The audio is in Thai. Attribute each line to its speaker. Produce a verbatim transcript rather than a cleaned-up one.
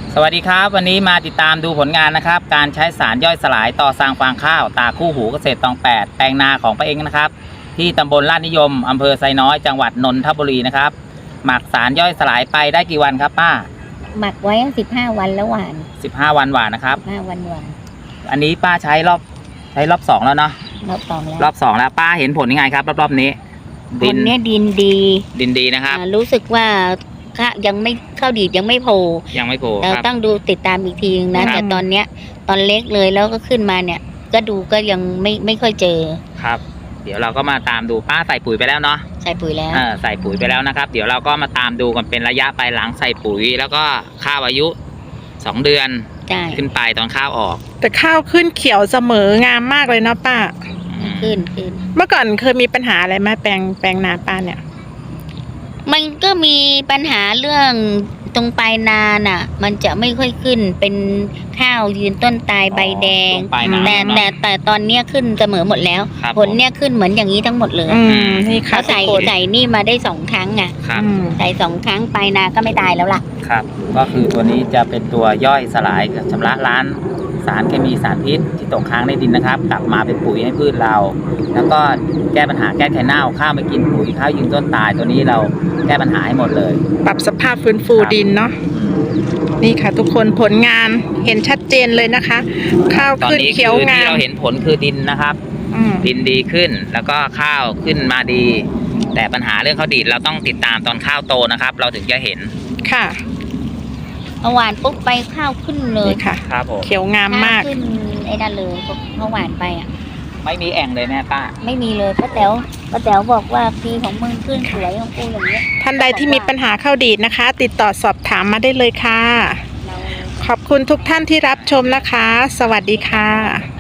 Speaker 1: สวัสดีครับวันนี้มาติดตามดูผลงานนะครับการใช้สารย่อยสลายต่อสร้างฟางข้าวตาคู่หูเกษตรตองแปดแปลงนาของป้าเองนะครับที่ตำบลลาดนิยมอำเภอไซน้อยจังหวัดนนทบุรีนะครับหมักสารย่อยสลายไปได้กี่วันครับป้า
Speaker 2: หมักไว้สิบห้าวันแล้วหวาน
Speaker 1: สิบห้าวันหวานนะครับ
Speaker 2: ห้าวันหวาน
Speaker 1: อันนี้ป้าใช้รอบใช้รอบสองแล้วเนาะ
Speaker 2: รอบสองแล้ว
Speaker 1: รอบสองแล้วป้าเห็นผลยังไงครับรอบๆนี้
Speaker 2: ดินเนี้ยดินดี
Speaker 1: ดินดีนะครับ
Speaker 2: รู้สึกว่ายังไม่เข้าดีดยังไม่โผล่
Speaker 1: ยังไม่โผล่
Speaker 2: เราต้องดูติดตามอีกทีนะแต่ตอนเนี้ยตอนเล็กเลยแล้วก็ขึ้นมาเนี่ยก็ดูก็ยังไม่ไม่ค่อยเจอ
Speaker 1: ครับเดี๋ยวเราก็มาตามดูป้าใส่ปุ๋ยไปแล้วเนาะ
Speaker 2: ใส่ปุ๋ยแล้ว
Speaker 1: เออใส่ปุ๋ยไปแล้วนะครับเดี๋ยวเราก็มาตามดูกันเป็นระยะไปหลังใส่ปุ๋ยแล้วก็ข้าวอายุสองเดือนขึ้นไปตอนข้าวออก
Speaker 3: แต่ข้าวขึ้นเขียวเสมองามมากเลยเนาะป้า
Speaker 2: ขึ้นขึ้น
Speaker 3: เมื่อก่อนเคยมีปัญหาอะไรไหมแปลงแปลงนาป้าเนี่ย
Speaker 2: มันก็มีปัญหาเรื่องตรงปลายนาน่ะมันจะไม่ค่อยขึ้นเป็นข้าวยืนต้นตายใบแดงแต่แต่แต่ตอนเนี้ยขึ้นเสมอหมดแล้วผลเนี้ยขึ้นเหมือนอย่างนี้ทั้งหมดเลย
Speaker 3: นี่ค่ะ
Speaker 2: ใส่ใส่นี่มาได้สองครั้งอ่ะใส่สองครั้งปลายนาก็ไม่ตายแล้วล่ะ
Speaker 1: ครับก็คือตัวนี้จะเป็นตัวย่อยสลายชำระล้างสารเคมีสารพิษที่ตกค้างในดินนะครับกลับมาเป็นปุ๋ยให้พืชเราแล้วก็แก้ปัญหาแก้ไขเน่าข้าวไม่กินปุ๋ยข้าวยืนต้นตายตัวนี้เราแก้ปัญหาให้หมดเลย
Speaker 3: ปรับสภาพฟื้นฟูดินเนาะนี่ค่ะทุกคนผลงานเห็นชัดเจนเลยนะคะข้าวขึ้นเขียวงาม
Speaker 1: ที่เราเห็นผลคือดินนะครับดินดีขึ้นแล้วก็ข้าวขึ้นมาดีแต่ปัญหาเรื่องข้าวดีดเราต้องติดตามตอนข้าวโตนะครับเราถึงจะเห็น
Speaker 3: ค่ะ
Speaker 2: เมื่อวานปุ๊บไปข้าวขึ้นเลย
Speaker 3: ค่ะ
Speaker 1: ครับผม
Speaker 3: เขียวงามมาก
Speaker 2: ขึ้นไอ้นั่นเลยเมื่อวานไปอ่ะ
Speaker 1: ไม่มีแอ่งเลยแม่ป้า
Speaker 2: ไม่มีเลยป้าแต๋วป้าแต๋วบอกว่าปีของมึงขึ้นสวยของกูอย่างเงี้ย
Speaker 3: ท่านใดที่มีปัญหาข้าวดีดนะคะติดต่อสอบถามมาได้เลยค่ะขอบคุณทุกท่านที่รับชมนะคะสวัสดีค่ะ